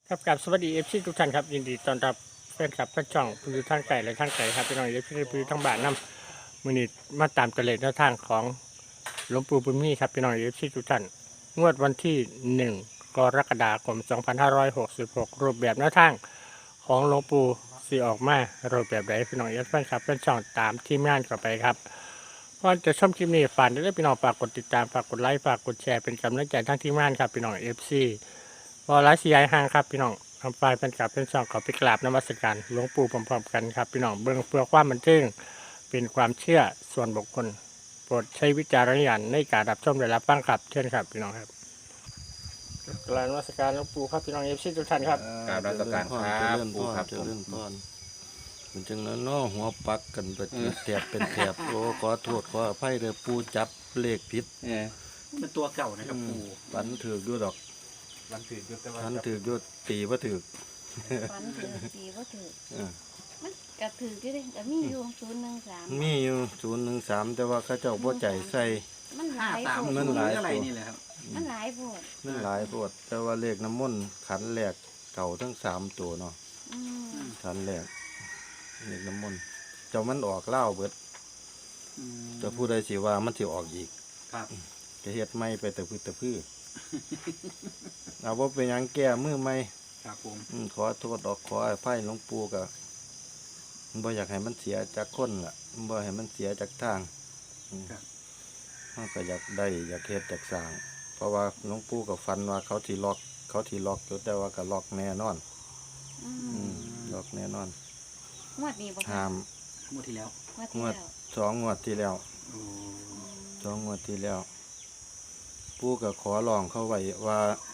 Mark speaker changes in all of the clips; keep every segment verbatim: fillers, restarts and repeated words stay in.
Speaker 1: ครับกับสวัสดีเอฟซีทุกท่านครับยินดีต้อนรับแฟนคลับแฟนช่องผู้อยู่ทางไกลและทางไกลครับพี่น้องเอฟซีผู้อยู่ทางบ้านนำมือนี้มาตามกระเลดแนวทางของหลวงปู่บุญมีครับพี่น้องเอฟซีทุกท่านงวดวันที่หนึ่งกรกฎาคมสองพันห้าร้อยหกสิบหกรูปแบบแนวทางของหลวงปู่สีออกมารูปแบบไหนพี่น้องเอฟแฟนคลับแฟนช่องตามทีมงานเข้าไปครับก่อนจะชมคลิปนี้ฝากด้วยพี่น้องฝากกดติดตามฝากกดไลค์ฝากกดแชร์เป็นกำลังใจทั้งทีมงานครับพี่น้องเอฟซีวอลล์ซีไอห่างครับพี่น้องทำไฟเป็นกราบเป็นช่องขอไปกราบนมัสการหลวงปู่พร้อมๆกันครับพี่น้องเบื้องเพื่อความบันเทิงเป็นความเชื่อส่วนบุคคลโปรดใช้วิจารณญาณในการรับชมและรับฟังครับเช่นครับพี่น้องครับกราบนมัสการหลวงปู่ครับพี่น้องเอฟซีทุกท่านครับ
Speaker 2: กราบนมัสการครับ
Speaker 3: เจริญ
Speaker 2: ปู่
Speaker 3: พร
Speaker 2: ครับ
Speaker 3: เจริญพรเป็นจังนั้นเนาะหัวปักกันไปแถบเป็นแถบโอ้ขอโทษขออภัยเด้อปูจับเลขผิด
Speaker 2: เออ
Speaker 4: เป็นตัวเก่านะครับ
Speaker 3: อื
Speaker 4: ปู่
Speaker 3: มฝันถือกด้วยดอก
Speaker 4: วันถือยุทธวั
Speaker 3: ฝัน
Speaker 4: ฒ
Speaker 3: ถือกด้วยตีว่าถือก
Speaker 5: ฝันถือสีว่าถือ
Speaker 3: เออ
Speaker 5: มันกระถือกี่เด้ก็มีอยู่ศูนย์หนึ่งสาม
Speaker 3: มีอยู่ศูนย์หนึ่งสามแต่ว่าเข้าเจ้าบ่ใจใส่
Speaker 5: มันห
Speaker 4: ห้า
Speaker 5: ลาย
Speaker 4: สาม
Speaker 5: โพ
Speaker 3: เงิ
Speaker 5: ด
Speaker 3: นหลาย
Speaker 4: อะไรนี่แหละครับ
Speaker 5: มันหลายโพด
Speaker 3: นั่นหลายโพดแต่ว่าเลขน้ำมนต์ขันแรกเก่าทั้งสามตัวเนาะ
Speaker 5: อืม
Speaker 3: ขันแรกเลขน้ำมนต์เจ้ามันออกเล่าวเบิด
Speaker 4: อืม
Speaker 3: จะผู้ใดสิว่ามันสิออกอีก
Speaker 4: ครับ
Speaker 3: จะเฮ็ดไม่ไปแต่พื้นแต่พื้นเอาว่าเป็นหยังแก้มือไม่
Speaker 4: ครับผม
Speaker 3: อืมขอโทษออกขออภัยหลวงปู่ก็บ่อยากให้มันเสียจากคนล่ะบ่ให้มันเสียจากทางอืมมันก็อยากได้อยากเฮ็ดอยากสร้าง เพราะว่าหลวงปู่ก็ฝันว่าเขาสิล็อก เขาสิล็อกอยู่แต่ว่าก็ล็อกแน่นอน
Speaker 5: อื
Speaker 3: อื
Speaker 5: ม
Speaker 3: มล็อกแน่นอน
Speaker 5: งวดนี้บ่คะ
Speaker 3: ห้าม
Speaker 4: งวดที่แล้ว
Speaker 5: งวดที่
Speaker 3: งวด
Speaker 5: แล้ว
Speaker 3: สองงวดที่แล้ว
Speaker 4: โอ้
Speaker 3: สองงวดที่แล้ว ปู่ก็ขอร้องเขาไว้ว่า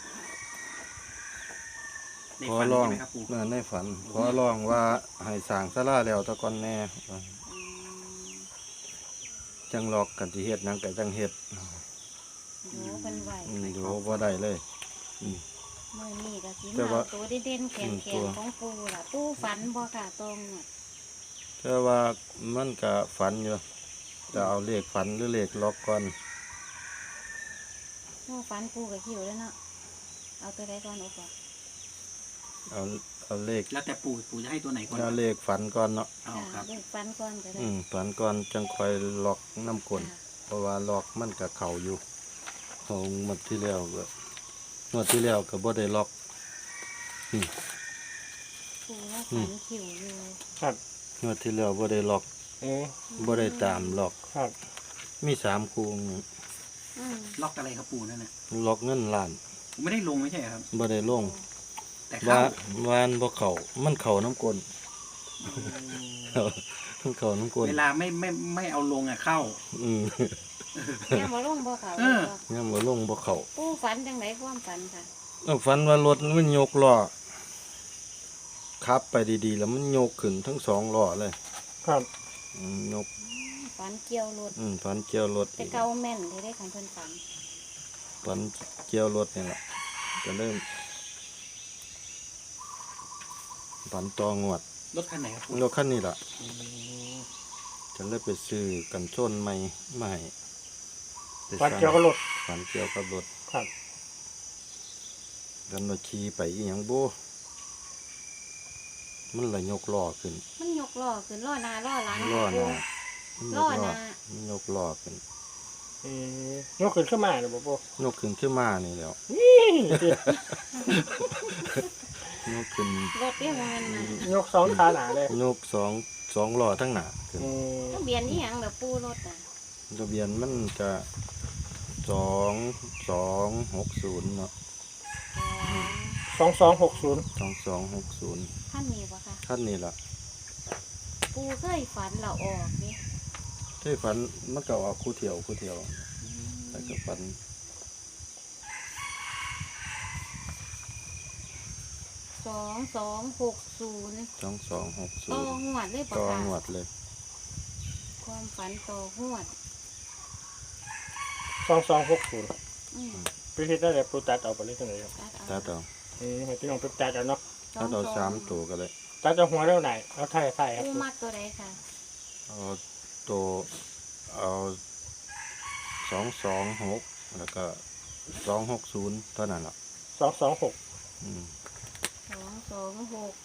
Speaker 4: ใน
Speaker 3: ขอ
Speaker 4: ฝัน
Speaker 3: ร้อง
Speaker 4: ใช่ไหมครับปู่
Speaker 3: เออในฝัน ขอร้องว่าให้สร้างศาลาแล้วแตะก่อนแน่ว่า
Speaker 5: อืม
Speaker 3: จังล็อกกันสิเฮ็ดหยังก็จังเฮ็ด
Speaker 5: ดูเพิ่นไหว
Speaker 3: อืมอยู่บ่ได้เลย
Speaker 5: มื้อนี้ก็สิ
Speaker 3: แต่
Speaker 5: มา
Speaker 3: ว่า
Speaker 5: เอาตัวเด่นๆแข็
Speaker 3: อืมตัว
Speaker 5: งๆของปู่ล่ะปู่ฝันบ่ค่ะตรงวด
Speaker 3: แต่ว่ามันก็ฝันอยู่จะเอาเลขฝันหรือเลขล็อกก่อน
Speaker 5: ปู่ฝันปู่ก็หิวแล้วเนาะเอาตัวใดก่อนโอ้ก่อน
Speaker 3: เอาเอาเลข
Speaker 4: แล้วแต่ปู่ปู่จะให้ตัวไหนก่อน
Speaker 3: เอาเลขฝันก่อนเนาะ
Speaker 4: เอาค
Speaker 5: ค่ะ
Speaker 4: รับ
Speaker 5: เลขฝันก่อนก็ได้
Speaker 3: อืมฝันก่อนจังค่อยล็อกน้ำกลน
Speaker 5: ค่ะ
Speaker 3: เพราะว่าล็อกมันก็เข้าอยู่ของหมดที่แล้วก็งวดที่แล้วก็บ่ได้ล็อก
Speaker 5: ปู่ว่าฝันหิวอยู่
Speaker 1: ครับ
Speaker 3: งวดที่แล้วบ่ได้ล็อก
Speaker 1: เออ
Speaker 3: บ่ได้ตามล็อก
Speaker 1: ครับ
Speaker 3: มีสามคู่
Speaker 5: อืม
Speaker 4: ล็อกอะไรครับปู่นั่นน่ะ
Speaker 3: ล็อกเงินล้าน
Speaker 4: ผมไม่ได้ลงไม่ใช่เหรอครับ
Speaker 3: บ่ได้ลง
Speaker 4: แต่
Speaker 3: ว่า
Speaker 4: เข้าว
Speaker 3: านบ่เข้ามันเข้าน้ำกลน มันเข้าน้ำกลน
Speaker 4: เวลาไม่ไม่ไม่เอาลงอ่ะเข้า
Speaker 3: อืม
Speaker 5: ยังบ่ลงบ่ค่ะ
Speaker 4: เออ
Speaker 3: เนี่ยบ่ลงบ่เข้า
Speaker 5: ปู่ฝันจังไดความฝันค่ะ
Speaker 3: เอาฝันว่ารถมันยกล้อขับไปดีๆ แล้วมันยกขึ้นทั้งสองล้อเลย
Speaker 1: ครับ
Speaker 3: อืมยก
Speaker 5: ฝันเกี่ยวรถ
Speaker 3: อืมฝันเกี่ยวรถ
Speaker 5: แต่
Speaker 3: อีก
Speaker 5: เก่าแม่นที่ได้คันเพิ่นฝัน
Speaker 3: ฝันเกี่ยวรถนี่แหละก็เริ่มฝันตองวด
Speaker 4: รถคันไหนครับปู่
Speaker 3: รถคันนี้ล่ะ
Speaker 4: อืม
Speaker 3: ฉันเลยไปซื้อกันชนใหม่มาให้ไป
Speaker 1: ฟัน
Speaker 3: สั่ง
Speaker 1: เกี่ยวกับรถ
Speaker 3: ฝันเกี่ยวกับรถ
Speaker 1: ครับ
Speaker 3: กันรถขี่ไปอีหยังบ่มันละยกล้อขึ้น
Speaker 5: มันยกล้อขึ้นล้อหน้าล้อหลัง
Speaker 3: ล้อหน้า
Speaker 5: ล้อหน้า
Speaker 3: มันยกล้อขึ้น
Speaker 1: เออยกขึ้นขึ้นมาเลยบ่ปู่
Speaker 3: ยกขึ้นขึ้นมานี่แหล้ว ยกขึ้น
Speaker 5: รถเรียกว่ามันมาย
Speaker 1: กสองขาหนาเลย
Speaker 3: ยกสองสองล้อทั้งหน้าขึ้น
Speaker 1: เออ
Speaker 5: ทะเบียนอีหยังแบบปูรถน่ะ
Speaker 3: ทะเบียนมันจะสองสองหกศูนย์เนาะ
Speaker 1: สองสองหกศูนย์
Speaker 3: สองสองหกศูนย์
Speaker 5: ท่านนี้บ่ค่ะ
Speaker 3: ท่านนี่ล่ะ
Speaker 5: ปูเคยฝันเราออกนี่
Speaker 3: ที่ฝันมันก็ออกคู่เที่ยวคู่เที่ยวแต่ก็ฝัน
Speaker 5: สองสองหกศูนย์
Speaker 3: สองสองหกศู
Speaker 5: ต่อน
Speaker 3: ย์
Speaker 5: หวดเลยบ่
Speaker 3: ต่อ
Speaker 5: ค่ะ
Speaker 3: งวดเลย
Speaker 5: ความฝันต่อหวด
Speaker 1: สองสองหกศูนย์
Speaker 5: อืม
Speaker 1: พิธีได้เลยปูตัดเอาไปเลยตรงไหนครับ
Speaker 5: ตัด
Speaker 3: ถ้า
Speaker 5: เอา
Speaker 3: ต่อ
Speaker 1: เออให้พี่น้องไปตัดเอาเนาะ
Speaker 3: ถ้าต่อสามตัวก็เลย
Speaker 1: ตัดเอาหัวเท่าไหนเอาไทยไทยครับ
Speaker 5: ปูมัดตัวใดค่ะ
Speaker 3: เอาตัวเอาสองสองหกแล้วก็สองหกศูนย์เท่านั้นล่ะ
Speaker 1: สองสองหก
Speaker 3: อืม
Speaker 5: สองหก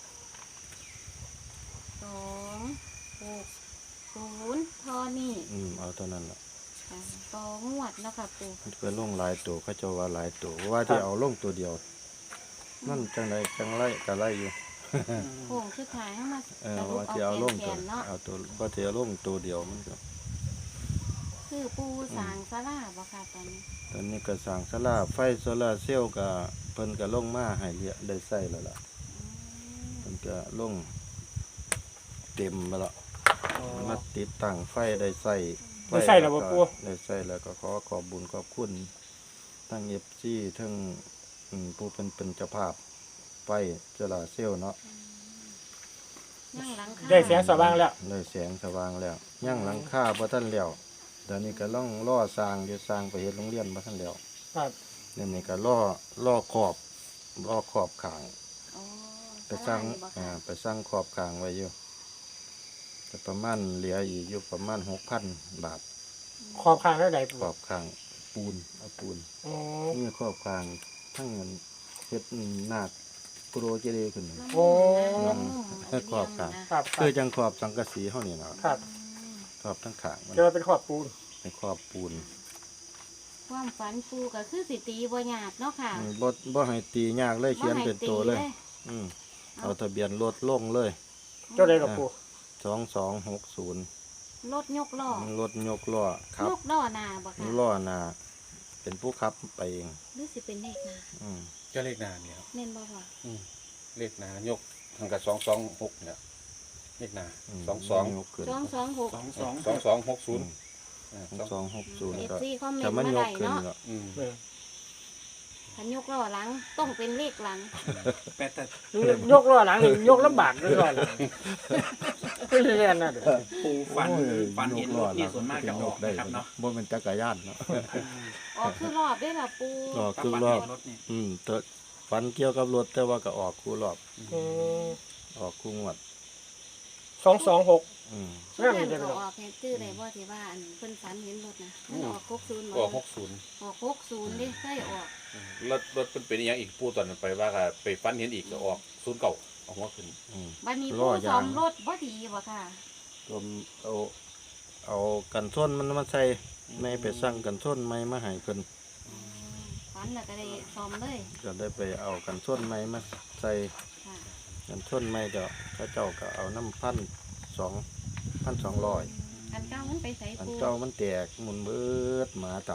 Speaker 5: สองหกศูนย์ทอนี่
Speaker 3: อืมเอาเท่านั้นล่ะ
Speaker 5: ค่ะต่องวดแล้วค่ะปู
Speaker 3: มันเป็นลงหลายตัวเขาเจ้าว่าหลายตัวว่าที่เอาลงตัวเดียวมันจังไดจังไรก็ไรอยู่
Speaker 5: โค้งสุดท้ายให้มา
Speaker 3: เออ
Speaker 5: สรุป
Speaker 3: ว่า
Speaker 5: เอา
Speaker 3: ที่เอาลง
Speaker 5: แข
Speaker 3: ตัวน
Speaker 5: ๆเนาะ
Speaker 3: เอาตัวว่าที่เอาลงตัวเดียวมันก็
Speaker 5: คือปูสางสลาบ่ค่ะตอนนี้
Speaker 3: ตอนนี้ก็สร้างศาลาไฟโซลาร์เซลล์ก็เพิ่นก็ลงมาให้เรียได้ใช้แล้วล่ะ
Speaker 5: อืม
Speaker 3: เพิ่นก็ลงเต็มไปแล้ว
Speaker 4: อ๋อ
Speaker 3: มาติดตั้งไฟได้ใช้
Speaker 1: ได้ใช้แล้วบ่ปู่
Speaker 3: ได้ใช้แล้วก็ขอขอบบุญขอบคุณทั้ง เอฟ ซี ทั้งอืมผู้เป็นเป็นเจ้าภาพไฟโซลาร์เซลล์เนาะ
Speaker 5: นั่งหลังคา
Speaker 1: ได้แสงสว่างแล้ว
Speaker 3: ได้แสงสว่างแล้วย่างหลังคาบ่ทันแล้วตอนนี้ก็ล่องล่อสร้างอยู่สร้างไปเฮ็ดโรงเรียนบ่ทันแล้ว
Speaker 1: ครับ
Speaker 3: เดี๋ยวนี้ก็ล่อล่อขอบล่อขอบข้าง
Speaker 5: อ๋อ
Speaker 3: ไปสร้าง
Speaker 5: ศลนี่บ่
Speaker 3: อ่า
Speaker 5: ค่ะ
Speaker 3: ไปสร้างขอบข้างไว้อยู่แต่ประมาณเหลืออีกอยู่ประมาณหกพันบาท
Speaker 1: ขอบข้างแล้วใด
Speaker 3: ขอบข้างปูนเอาปูน
Speaker 1: อ๋อ
Speaker 3: นี่ขอบข้างทั้งเงินเฮ็ดนาคโปรเจดีย์ขึ้น
Speaker 1: โอ้
Speaker 5: อืม
Speaker 3: เออขอบข้าง
Speaker 1: ครับครั
Speaker 3: คื
Speaker 1: บ
Speaker 3: อจังขอบสังกะสีเฮานี่เนาะ
Speaker 1: ครับ
Speaker 3: ขอบทั้งข้างมัน
Speaker 1: เจอเป็นขอบปูน
Speaker 3: เป็นขอบปูน
Speaker 5: ความฝันปูก็คือสิตีบ่ยากเนาะค่ะ
Speaker 3: อืมบ่บ่ให้ตียากเลยเขียนเป็นตัวเลย อืมเอาทะเบียนรถลงเลย
Speaker 1: เจ้าใดกับปู
Speaker 3: สองสองหกศูนย์
Speaker 5: รถยกล้อ
Speaker 3: รถยกล้อครับ
Speaker 5: ยกล้อหน้าบ่ค่ะ
Speaker 3: ล้อหน้าเป็นผู้ขับไปเอง
Speaker 5: หรือสิเป็นเลขหน้า
Speaker 3: อืม
Speaker 4: เจ้าเลขนาเนี่ยครับ
Speaker 5: แม่นบ่พ่อ
Speaker 4: อืมเลขนายกทางกับสองสองหกเนี่ยเลขนา
Speaker 3: ม
Speaker 4: สองสอง
Speaker 3: ยกขึ้น
Speaker 5: สองสองหก
Speaker 4: สองสองสองสองหกศูนย์
Speaker 3: สองสองหกศูนย์
Speaker 5: เอฟ
Speaker 3: ก็
Speaker 5: ซีคอมเมน
Speaker 3: ถ้า
Speaker 5: ต์
Speaker 3: มัน
Speaker 5: มาย ได้
Speaker 3: กขึ้น
Speaker 5: เนาะ
Speaker 3: ก็
Speaker 4: อืม
Speaker 1: เออ
Speaker 5: คันยกล้อหลังต้องเป็นเลขหลัง
Speaker 4: แต่แต่
Speaker 1: ยกล้อหลังนี่ยกลำบากด้วยล้อหลังไม่เรียนนะเด้อ
Speaker 4: ปูฟัน
Speaker 3: โอ้ย
Speaker 4: ฟันเห็นรถนี่
Speaker 3: ย
Speaker 4: ส่วนมากจะออก
Speaker 3: ได้
Speaker 4: นะครับเนาะ
Speaker 3: บ่เป็นจักรยานเนาะ
Speaker 5: ออกคือรอบได้อล่ะปู
Speaker 3: ออกคือรอบ
Speaker 4: รถนี่
Speaker 3: อืมแต่ฝันเกี่ยวกับรถแต่ว่าก็ออกคู่รอบ
Speaker 1: อืม
Speaker 3: ออกคู่งวด
Speaker 1: สองสองหก
Speaker 3: อืม
Speaker 5: ช่วงนั้นก็ออกแค่ชื่อได้บ่ที่ว่าอันเพิ่นฝันเห็นรถนะมันออกหกศูนย์บ่
Speaker 2: ก็หกศูนย์
Speaker 5: ออกหกศูนย์เด้เคยออก
Speaker 2: รถรถเป็นเป็นอหย่างอีกปูตอนนั้นไปว่าก็ไปฟันเห็นอีกก็ออกศูนย์เก่าออกหัวขึ้น
Speaker 3: อืม
Speaker 5: บัดนี้
Speaker 3: ล้
Speaker 5: ปู
Speaker 3: อยาง
Speaker 5: ซ่อมรถบ่ดีบ่ค่ะ
Speaker 3: รวมเอาเอากันส้นมันมาใส่ไม่ไปสั่งกันส้นไม่มาให้เพิ่น
Speaker 5: ฝันแล้วก็ได้ซ่อมเลย
Speaker 3: ก็ได้ไปเอากันส้นไม้มาใส่
Speaker 5: ค่ะ
Speaker 3: กันส้นไม้ก็พระเจ้าก็เอาน้ำพันสองพันสองร้อย
Speaker 5: อันเก่ามันไปใส่
Speaker 3: อัน
Speaker 5: ปู
Speaker 3: เจ้ามันแตกหมุนเบิดหมาต่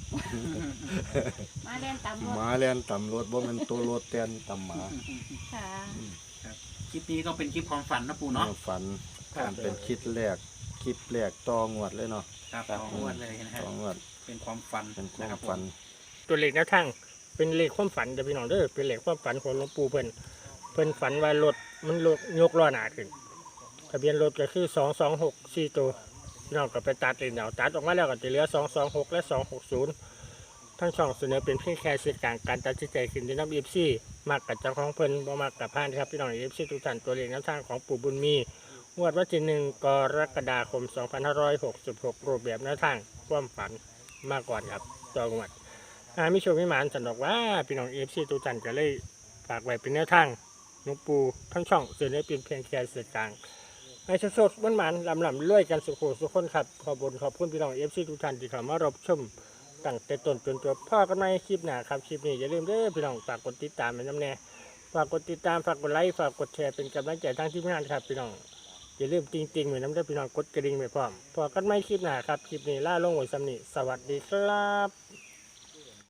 Speaker 5: มาเล่นตามร
Speaker 3: ำ
Speaker 5: ถ
Speaker 3: หมาแล่นต่ำรถบ่แมันตัวรถแตนต่ำหมา
Speaker 5: ค่ะ
Speaker 4: คลิปนี้ก็เป็นคลิปความฝันนะปูเนาะ
Speaker 3: ฝันอันเป็นคลิปแรกคลิปแรกต่องวดเลยเนาะ
Speaker 4: ครับต่องวดเลยนะฮะ
Speaker 3: ต่องวด
Speaker 4: เป็นความฝัน
Speaker 3: เป็นควา
Speaker 4: นะค
Speaker 3: ม
Speaker 4: รับผม
Speaker 3: ฝัน
Speaker 1: ตัวเลขแนวทางเป็นเลขความฝันเด้อพี่น้องเด้อเป็นเลขความฝันของหลวงปู่เพิ่นเพิ่นฝันว่ารถมันรถยกล้อหน้าขึ้นทะเบียนรถก็คือสองสองหกสี่ตัวพี่น้องก็ไปตัดเองเอาตัดออกมาแล้วก็จะเหลือสองสองหกและสองหกศูนย์ทั้งช่องเสนอเป็นเพียงแค่สื่อกลางการตัดสินใจขึ้นที่น้ำเอฟซีมากกับเจ้าของเพิ่นบ่มากกับพานครับพี่น้องเอฟซีทุกท่านตัวเลขแนวทางของปู่บุญมีงวดวันที่หนึ่งกรกฎาคมสองพันห้าร้อยหกสิบหกรูปแบบแนวทางความฝันมาก่อนครับตัวงวด อามิโชคมิหมานสันดอกว่าพี่น้องเอฟซีทุกท่านก็เลยฝากไว้เป็นแนวทางหลวงปู่ทั้งช่องเสือได้เป็นเพียงแค่สื่อกลางให้โชคๆมันหมานลำลำรวยกันสุขสุขคนครับขอบุญขอบคุณพี่น้องเอฟซีทุกท่านที่เข้ามารับชมตั้งแต่ต้นจนจบพ่อกันในคลิปหน้าครับคลิปนี้อย่าลืมเด้อพี่น้องฝากกดติดตามเป็นน้ำแน่ฝากกดติดตามฝากกดไลค์ฝากกดแชร์เป็นกำลังใจทั้งทีมงานครับพี่น้องอย่าลืมติงติงๆเหมือนน้ำเด้อพี่น้องกดกระดิ่งไปพร้อมพอกันไม่คลิปหน้าครับคลิปนี้ล่าลงไว้สำนีสวัสดีครับ